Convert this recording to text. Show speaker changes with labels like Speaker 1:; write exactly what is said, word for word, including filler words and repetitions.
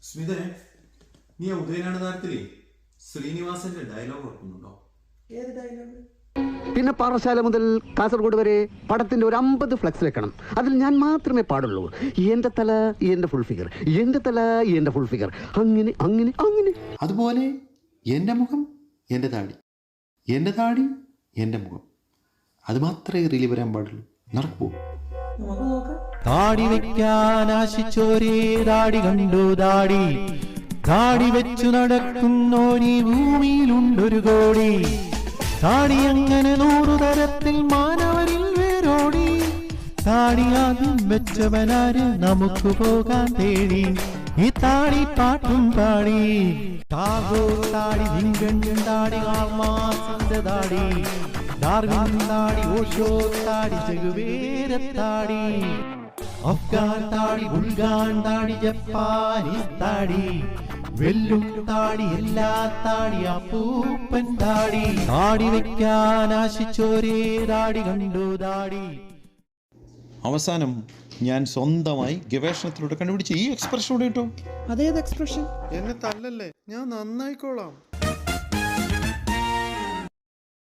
Speaker 1: സ്മിതനെ, നീ ആ ഉദയനാണ് താരത്തിലേ ശ്രീനിവാസന്റെ ഡയലോഗ് ഓർക്കുന്നുണ്ടോ?
Speaker 2: ഏത് ഡയലോഗ്?
Speaker 3: പിന്നെ പാറശാല മുതൽ കാസർഗോഡ് വരെ പടത്തിന്റെ ഒരു അമ്പത് ഫ്ലെക്സ് വെക്കണം. അതിൽ ഞാൻ മാത്രമേ പാടുള്ളൂ. എന്റെ തല എന്റെ ഫുൾ ഫിഗർ, എന്റെ തല എന്റെ ഫുൾ ഫിഗർ, അങ്ങനെ അങ്ങനെ അങ്ങനെ.
Speaker 4: അതുപോലെ എൻ്റെ മുഖം എൻ്റെ താടി, എൻ്റെ താടി എൻ്റെ മുഖം. അത് മാത്രമേ റീലി വരാൻ പാടുള്ളൂ. നടക്കുമോ?
Speaker 2: നമുക്ക് നോക്കാം.
Speaker 5: താടി വെക്കാൻ ആശിച്ചോരേ താടി കണ്ടു താടി, താടി വെച്ചു നടക്കുന്നോരീ ഭൂമിയിലുണ്ടൊരു കോടി. താടി അങ്ങനെ നൂറു തരത്തിൽ മാനവരിൽ വേരോടി. താടി ആദ്യം വെച്ചവനാര് നമുക്ക് പോകാൻ തേടി. ഈ താടി പാട്ടും പാടി ടാഗോർ താടി, ലിങ്കൺ താടി, കാൾമാർക്സിന്റെ താടി, ഡാർവിൻ താടി, ഓഷോ താടി, ചെഗുവേര താടി, അഫ്ഗാൻ താടി, ബുൾഗാൻ താടി, ജപ്പാനീസ് താടി, വെല്ലും താടി, എല്ലാ താടി, അപ്പൂപ്പൻ താടി. താടി വെക്കാൻ ആശിച്ചോരേ താടി കണ്ടു താടി.
Speaker 4: അവസാനം ഞാൻ സ്വന്തമായി ഗവേഷണത്തിലൂടെ കണ്ടുപിടിച്ച് ഈ എക്സ്പ്രഷൻ കൂടെ കിട്ടും.
Speaker 2: അതേത് എക്സ്പ്രഷൻ?
Speaker 4: എന്നെ തല്ലല്ലേ, ഞാൻ നന്നായിക്കോളാം.